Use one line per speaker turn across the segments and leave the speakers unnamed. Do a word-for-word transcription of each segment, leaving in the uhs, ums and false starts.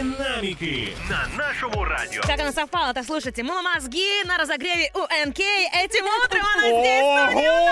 Динамики на нашему радио.
Как оно совпало, так слушайте, мозги на разогреве у эн кей. Этим утром она здесь, в студии у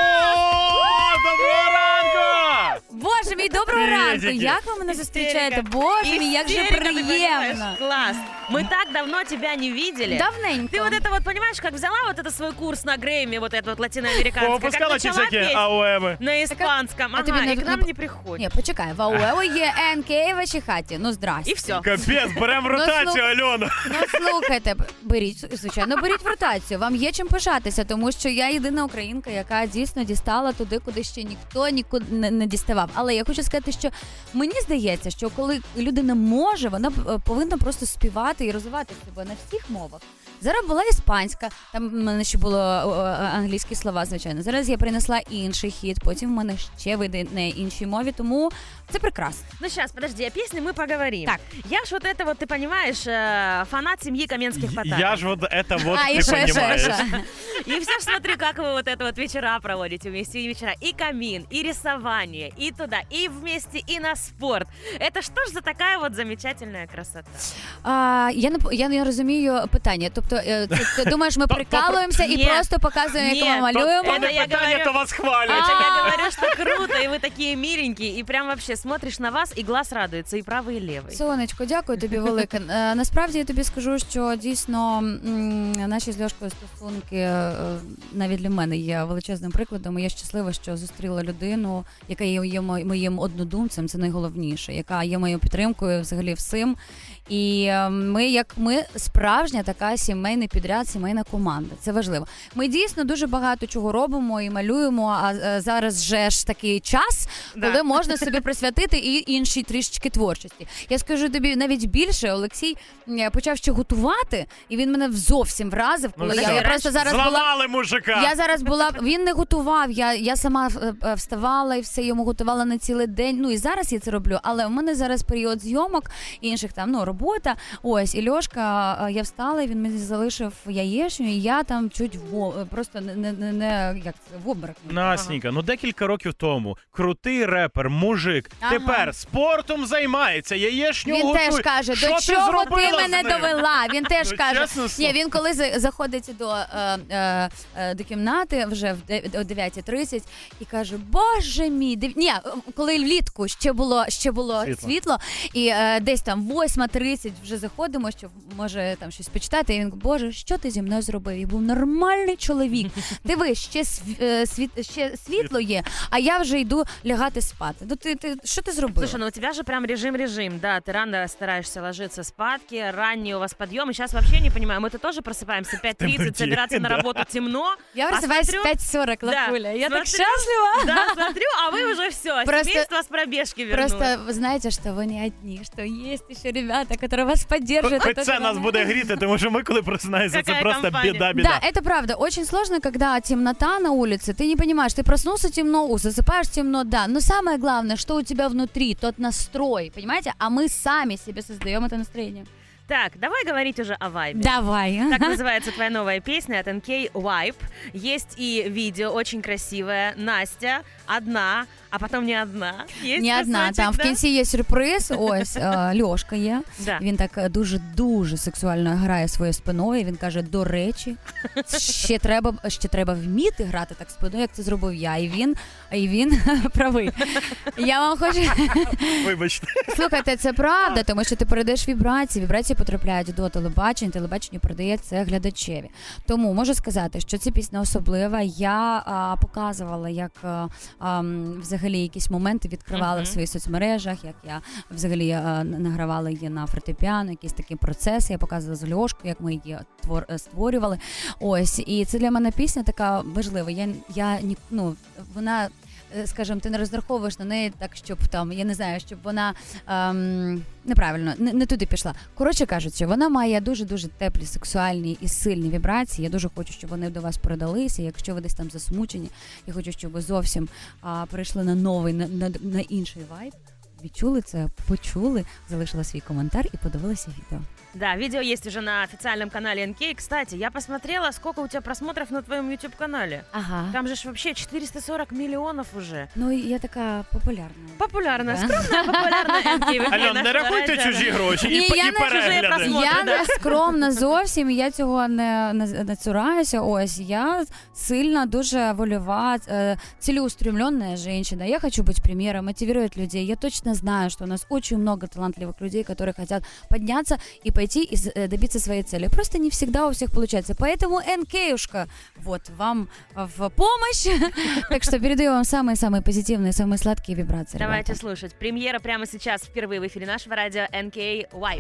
нас.
Доброго ранку!
Боже мій, доброго ранку!
Приветики.
Як ви мене зустрічаєте? Боже мій, як же
Истерика, ты понимаешь?
приємно!
Класс. Мы так давно тебя не видели.
Давненько.
Ты вот это вот, понимаешь, как взяла вот это свой курс на Грэмми, вот это вот латиноамериканское, как
Попускала ці
начала
всякі
петь
АОМи.
на испанском,
а
ага,
тобі не-
и к нам
не-
не приходит.
Ні, почекай, в АУЕО є ен кей в вашій хаті. Ну, здрасте.
И все.
Капець, беремо ротацію, Альона.
Ну, слухайте, б- беріть, звичайно, беріть в ротацію. Вам є чим пишатися, тому що я єдина українка, яка дійсно дістала туди, куди ще ніхто нікуди не, не діставав. Але я хочу сказати, що мені здається, що коли людина може, вона е, повинна просто співати і розвивати себе на всіх мовах. Зараз була іспанська, там в мене ще було о, о, англійські слова, звичайно. Зараз я принесла інший хіт, потім в мене ще вийде на іншій мові, тому це прекрасно.
Ну сейчас, подожди, о песне мы поговорим.
Так.
Я ж вот это вот, ты понимаешь, э, фанат семьи Каменских Потапов.
Я ж вот это вот,
а, і
ты
ще, ще,
понимаешь.
ще.
И все ж смотрю, как вы вот это вот вечера проводите вместе, и вечера, и камин, и рисование, и туда, и вместе, и на спорт. Это что ж за такая вот замечательная красота?
А, я не по- я не розумію питання. Тобто, е, ти, ти думаєш, ми прикалуємося і
Ні.
просто показуємо, як
Ні.
ми малюємо?
То-
То
Это
не
я
питання,
говорю.
то вас хвалять.
Это
А.
я говорю, что круто, и вы такие миленькие, и прям вообще смотришь на вас, и глаз радуется, и правый, и левый.
Сонечко, дякую тобі велике. Е, Насправді я тобі скажу, що дійсно м, наші з Льошкою стосунки е, навіть для мене є величезним прикладом. І я щаслива, що зустріла людину, яка є, є мо- моїм однодумцем, це найголовніше, яка є моєю підтримкою взагалі всім. І е, ми, як ми, справжня така сімейний підряд, сімейна команда. Це важливо. Ми дійсно дуже багато чого робимо і малюємо, а е, зараз же ж такий час,
Да.
коли можна собі присвятити і іншій трішечки творчості. Я скажу тобі навіть більше, Олексій м, почав ще готувати, і він мене зовсім вразив, коли
Ну,
я,
все.
я просто зараз була.
Зламали мужика.
Я зараз була, він не готував, я, я сама е, е, вставала і все йому готувала на цілий день. Ну і зараз я це роблю, але в мене зараз період зйомок, інших там, ну, робота. Ось, і Льошка, е, я встала, і він мені залишив яєчню, і я там чуть в, просто не, не, не, не як це, в обморок.
Насніка, ну декілька років тому крутий репер, мужик,
Ага.
тепер спортом займається, яєшню
Він
готує.
теж каже,
Що
до
ти
чого ти
зробила
мене
з ним?
довела? Він теж
Ну,
каже,
чесно
ні,
слово.
він коли за- заходить до, е, е, е, до кімнати вже в де- о дев'ятій тридцять і каже, боже мій, див... ні, коли влітку ще було, ще було
Світло.
світло, і е, десь там восьма тридцять вже заходимо, щоб може там щось почитати, і він каже, боже, що ти зі мною зробив? Я був нормальний чоловік. Диви, ще, сві- е, світ, ще світло є, а я вже йду лягати спати. Ну ти, ти що ти зробив?
Слушай, ну у тебя же прям режим-режим, да, ты рано стараешься ложиться спадки, ранний у вас подъем, и сейчас вообще не понимаю, мы-то тоже просыпаемся в пять тридцать,
темноте,
собираться на
да.
работу темно.
Я
а
просыпаюсь
смотрю-
в пять сорок,
Да,
Лапуля. Я так
смотрю-
счастлива.
Да, смотрю, а вы уже все,
Просто-
семейство с пробежки вернулось.
Просто вы знаете, что вы не одни, что есть еще ребята, которые вас поддержат.
Хоч
которые
це нас
вам-
буде гріти, тому що ми, коли просинаємося, це
Какая
просто
компания.
біда-біда.
Да, это правда. Очень сложно, когда темнота на улице. Ты не понимаешь, ты проснулся темно, засыпаешь темно, да. Но самое главное, что у тебя внутри, тот настрой, понимаете? А мы сами себе создаем это настроение.
Так, давай говорить уже о вайбе.
Давай.
Так называется твоя новая песня от эн кей Vibe. Есть и видео очень красивое. Настя одна, а потом не одна. Есть
Не одна,
кусочек,
там в
да?
кінці є сюрприз. Ось е, Льошка є.
Да.
Він так е, дуже дуже сексуально грає своєю спиною. Він каже: до речі, ще треба ще треба вміти грати так спиною, як це зробив я. І він, і він правий. Я вам хочу
Вибачте.
слухайте, це правда, тому що ти передаєш вібрації. Вібрації потрапляють до телебачення, телебачення передає це глядачеві. Тому можу сказати, що ця пісня особлива. Я а, показувала, як а, а, м, взагалі якісь моменти відкривала
Мгм.
в своїх соцмережах, як я взагалі а, награвала її на фортепіано, якісь такі процеси. Я показувала з Льошкою, як ми її твор, створювали. Ось, і це для мене пісня така важлива. Я, я ні- ну, вона, е, скажімо, ти не розраховуєш на неї так, щоб там, я не знаю, щоб вона ем, неправильно, не, не туди пішла. Коротше кажучи, вона має дуже-дуже теплі, сексуальні і сильні вібрації. Я дуже хочу, щоб вони до вас передалися. Якщо ви десь там засмучені, я хочу, щоб ви зовсім а, перейшли на новий, на, на, на інший вайб. відчули це, почули, залишила свій коментар і подивилася відео.
Да, видео есть уже на официальном канале эн кей. Кстати, я посмотрела, сколько у тебя просмотров на твоем YouTube-канале.
Ага.
Там же ж вообще четыреста сорок миллионов уже.
Ну, і я така популярна.
Популярная,
Да.
скромная, популярная эн кей. В эфире
Альон, не
нашего
рахуйте
радио.
чужі гроші і,
Ні,
п-
я
і
не
чужі
перегляди.
просмотри.
Я
да?
не скромна зовсім, я цього не, не, не цураюся. Ось, я сильна, дуже вольова, э, целеустремленная женщина. Я хочу быть примером, мотивировать людей. Я точно знаю, что у нас очень много талантливых людей, которые хотят подняться и пойти и с- э, добиться своей цели. Просто не всегда у всех получается. Поэтому эн кей-ушка, вот, вам в помощь. Так что передаю вам самые-самые позитивные, самые сладкие вибрации.
Давайте
ребята.
слушать. Премьера прямо сейчас впервые в эфире нашего радио эн кей Wipe.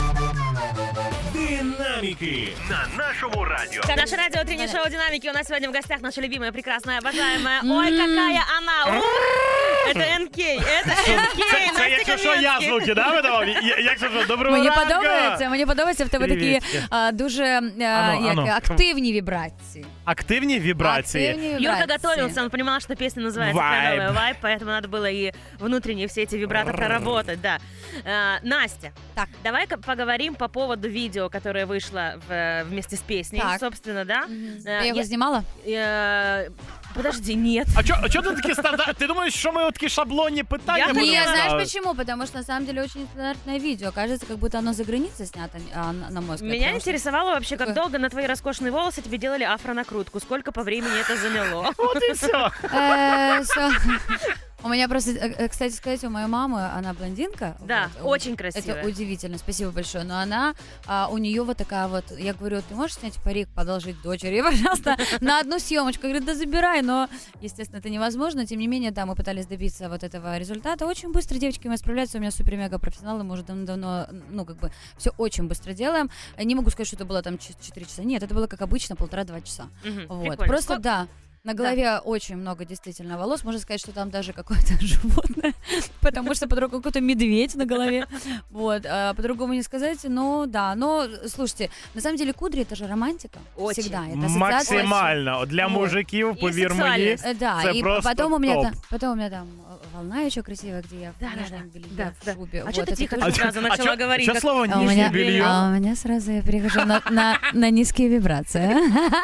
Динаміки на нашому радіо.
Это наше радио «Утреннее шоу Динамики». У нас сегодня в гостях наша любимая, прекрасная, обожаемая.
М.
Ой, какая она! У! Это эн кей, это эн кей,
Це якщо що, я звуки, да, видавав? Я- Якщо що, доброго
Мені
ранку!
подобається, мені подобається в тебе такі
Привіт.
а, дуже а,
Ану,
як,
ану.
активні вібрації.
Активні вібрації.
Активні
Юрка
вібрації.
готовился, он понимал, что песня называется
Vibe.
«Кленовая Вайп», поэтому надо было и внутренние все эти вибраты проработать, да. А, Настя,
Так.
давай-ка поговорим по поводу видео, которое вышло в- вместе с песней,
Так.
собственно, да?
Мгм.
Е,
Ти його
я-
знімала?
Э, Подожди, нет.
А чо, а чо ти такі стандарт? Ти думаєш, що ми такі шаблонні питання
Я
будемо
не,
Не, знаешь
ставити?
почему? Потому что на самом деле очень стандартное видео. Кажется, как будто оно за границей снято, а, на, на мой взгляд.
Меня
потому что-
интересовало вообще, как
Какое?
долго на твои роскошные волосы тебе делали афронакрутку, сколько по времени это заняло.
От і все.
Э, всё. У меня просто, э, э, кстати сказать, у моей мамы, она блондинка.
Да,
вот.
очень красивая.
Это удивительно, спасибо большое. Но она, а, у нее вот такая вот, я говорю, ты можешь снять парик, подолжить дочери, пожалуйста, на одну съемочку. Говорит, да забирай, но, естественно, это невозможно. Тем не менее, да, мы пытались добиться вот этого результата. Очень быстро девочки мы справляются, у меня супер-мега профессионалы, мы уже давно, ну, как бы, все очень быстро делаем. Не могу сказать, что это было там четыре часа, нет, это было, как обычно, полтора-два часа.
Мгм,
Вот,
прикольно.
просто,
Сколько-
да. На голове очень много действительно волос. Можно сказать, что там даже какое-то животное, потому что по-другому какой-то медведь на голове. Вот, а по-другому не сказать. Но да, но слушайте, на самом деле кудри это же романтика.
Очень.
Всегда. Это ассоциация.
Максимально. Для
Вот.
мужиків,
І
повір мені.
сексуальність.
Э, Да,
Это
и
просто
потом у меня
топ.
там, потом у меня там э, волна еще красивая, где я в
Да, да,
нижнем
да.
белье,
Да,
в
да.
шубе.
А
Вот,
чё ты
это
тихо
тоже-
тут сразу начала
чо-
говорить?
чо
как-
слово
А у
нижнє
меня,
белье?
а у меня сразу я перехожу на, на, на низкие вибрации.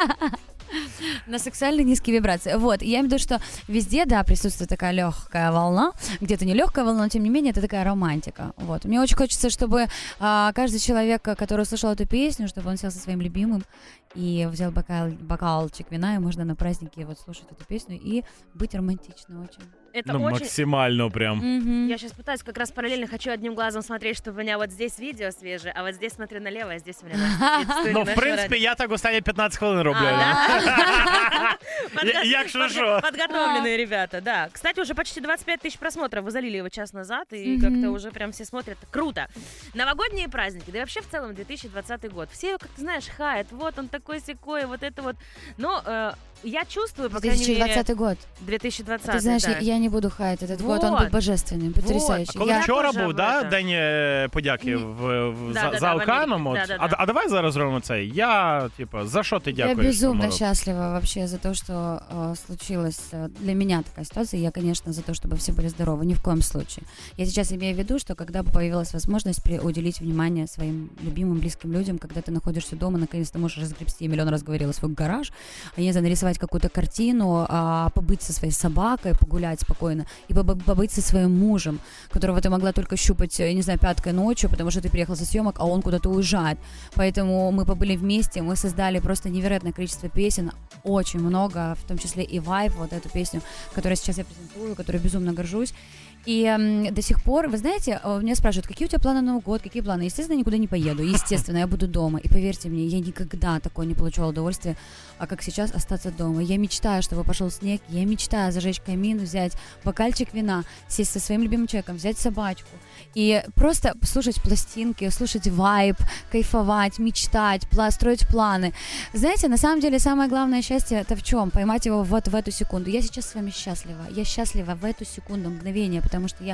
На сексуально низкие вибрации. Вот, я имею в виду, что везде, да, присутствует такая легкая волна, где-то не легкая волна, но тем не менее это такая романтика. Вот, мне очень хочется, чтобы а, каждый человек, который услышал эту песню, чтобы он сел со своим любимым и взял бокал, бокалчик вина, и можно на празднике вот слушать эту песню и быть романтичным очень.
Это
Ну,
очень...
максимально прям.
Мгм.
Я сейчас пытаюсь как раз параллельно, хочу одним глазом смотреть, чтобы у меня вот здесь видео свежее, а вот здесь смотрю налево, а здесь у меня наш- вид студии
Ну, в
нашего
принципі,
радио.
я так останні п'ятнадцять хвилин роблю.
А,
Альон.
да?
Я-
Подго-
якщо
подго-
що.
Подготовленные ребята, да. Кстати, уже почти двадцать пять тысяч просмотров. Вы залили его час назад, и
Мгм.
как-то уже прям все смотрят. Круто. Новогодние праздники, да и вообще в целом две тысячи двадцатый год. Все, как ты знаешь, хаят. Вот он такой секой, вот это вот. Но э, я чувствую, по крайней
две тысячи
мере...
двадцатый год.
две тысячи двадцатый,
Ты знаешь,
да.
я, я не буду хаять этот год, он
Вот.
был божественным, потрясающий.
А коли
Я-
вчора
теж
був,
в
да,
это.
день е, подяки в, в,
Да,
за,
да,
за
да, в
Оканом?
Америці.
От.
Да, да,
А,
да.
а давай зараз зробимо це. Я, типу, за що ти
Я
дякуєш?
безумно
цьому?
счастлива вообще за то, что э, случилась э, для меня такая ситуация. Я, конечно, за то, чтобы все были здоровы, ни в коем случае. Я сейчас имею в виду, что когда бы появилась возможность при- уделить внимание своим любимым, близким людям, когда ты находишься дома, наконец-то можешь разгребсти, я миллион раз говорила, свой гараж, а не знаю, нарисовать какую-то картину, а, побыть со своей собакой, погулять спокойно, и побы- побыть со своим мужем, которого ты могла только щупать, я не знаю, пяткой ночью, потому что ты приехал со съемок, а он куда-то уезжает. Поэтому мы побыли вместе, мы создали просто невероятное количество песен, очень много, в том числе и «Vibe», вот эту песню, которую сейчас я презентую, которой безумно горжусь. И м, до сих пор, вы знаете, э, меня спрашивают, какие у тебя планы на Новый год, какие планы? Естественно, никуда не поеду, естественно, я буду дома. И поверьте мне, я никогда такое не получала удовольствия, а как сейчас остаться дома. Я мечтаю, чтобы пошел снег, я мечтаю зажечь камин, взять бокальчик вина, сесть со своим любимым человеком, взять собачку и просто слушать пластинки, слушать вайб, кайфовать, мечтать, пла- строить планы. Знаете, на самом деле самое главное счастье это в чем? Поймать его вот в эту секунду. Я сейчас с вами счастлива. Я счастлива в эту секунду, мгновение, потому что я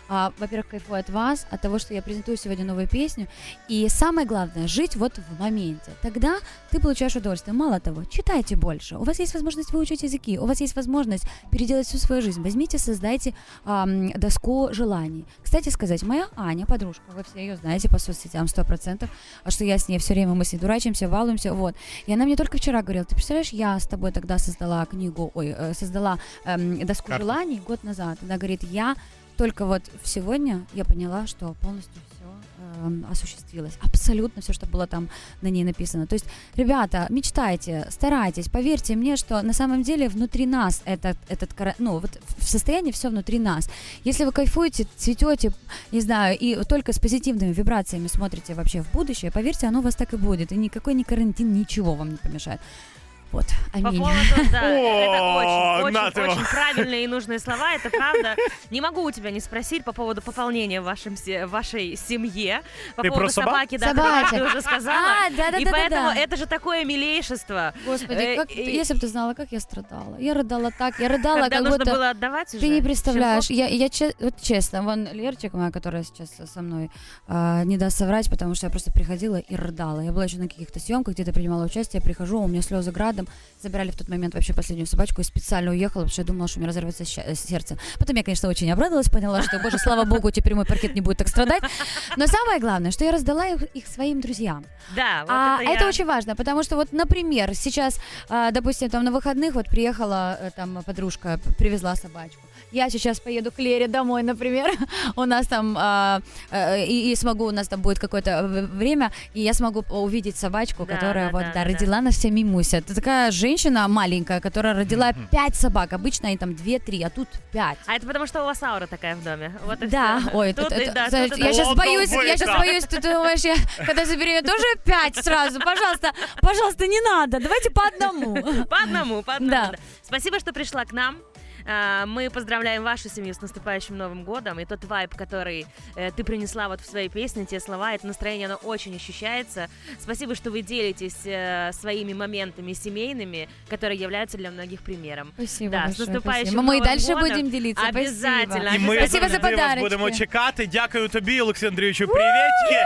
а, во-первых, кайфую от вас, от того, что я презентую сегодня новую песню. И самое главное, жить вот в моменте. Тогда ты получаешь удовольствие. Мало того, читайте больше. У вас есть возможность выучить языки, у вас есть возможность переделать всю свою жизнь. Возьмите, создайте ам, доску желаний. Кстати сказать, моя Аня, подружка, вы все ее знаете по соцсетям сто процентов, а что я с ней все время, мы с ней дурачимся, балуемся, вот. И она мне только вчера говорила, ты представляешь, я с тобой тогда создала книгу, ой, э, создала эм, доску
Карту.
желаний год назад. Она говорит, я только вот сегодня я поняла, что полностью все эм, осуществилось. Абсолютно все, что было там на ней написано. То есть, ребята, мечтайте, старайтесь, поверьте мне, что на самом деле внутри нас этот, этот кара- ну, вот в состоянии все внутри нас. Если вы кайфуете, цветете, не знаю, и только с позитивными вибрациями смотрите вообще в будущее, поверьте, оно у вас так и будет. И никакой ни карантин, ничего вам не помешает. Вот,
По
аминь.
поводу, да, это
О,
очень,
на
очень,
ты его.
очень правильные и нужные слова, это правда. Не могу у тебя не спросить по поводу пополнения в вашем, се- вашей семье, по
Ты
поводу
про собак?
собаки, да,
Собаки.
которую ты уже сказала.
А,
И
да-да-да-да-да.
поэтому это же такое милейшество.
Господи,
Э,
как,
и-
если бы ты знала, как я страдала. Я рыдала так, я рыдала,
Когда
как
нужно
будто...
было отдавать уже.
Ты не представляешь, я, я че- вот честно, вон Лерчик моя, которая сейчас со мной, а, не даст соврать, потому что я просто приходила и рыдала. Я была еще на каких-то съемках, где-то принимала участие, я прихожу, у меня слезы градом, забирали в тот момент вообще последнюю собачку и специально уехала, потому что я думала, что у меня разорвется ща- сердце. Потом я, конечно, очень обрадовалась, поняла, что, боже, слава богу, теперь мой паркет не будет так страдать. Но самое главное, что я раздала их, их своим друзьям.
Да, вот
А
это,
это
я-
очень важно, потому что вот, например, сейчас, а, допустим, там на выходных вот приехала э, там подружка, п- привезла собачку. Я сейчас поеду к Лере домой, например, у нас там, а, э, и, и смогу, у нас там будет какое-то в- время, и я смогу увидеть собачку,
Да,
которая
да,
вот,
да,
да,
да.
родила нас вся Мимуся. Это такая женщина маленькая, которая родила
Мгм.
пять собак, обычно они там две-три, а тут пять.
А это потому, что у вас аура такая в доме. Вот и
Да,
всё.
ой,
Тут
это,
и
это-
да,
знаешь,
тут и
я
да.
сейчас
Ладно,
боюсь, я сейчас
выка.
боюсь, ты думаешь, я когда заберу тоже пять сразу, пожалуйста, пожалуйста, не надо, давайте по одному.
По одному, по одному.
Да.
да. Спасибо, что пришла к нам. А, Мы поздравляем вашу семью с наступающим Новым годом. И тот вайб, который э, ты принесла вот в своей песне, те слова, это настроение, оно очень ощущается. Спасибо, что вы делитесь э, своими моментами семейными, которые являются для многих примером.
Спасибо
Да, с
большое,
наступающим
спасибо. Мы и
Новым
дальше
годом.
будем делиться.
Обязательно.
Спасибо.
І ми
Спасибо за
завжди вас
подарочки.
будемо чекати. Дякую тобі, Олексій Андрійовичу. Привітки!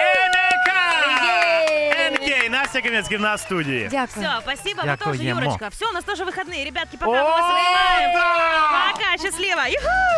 Енека! Енкей, Настя Кам'янський в нас в студії.
Дякую.
Все, спасибо. Вы тоже,
Дякуємо.
Юрочка. Все, у нас тоже выходные. Ребятки, пока
О,
мы вас обнимаем.
да!
Пока, счастливо. Юху!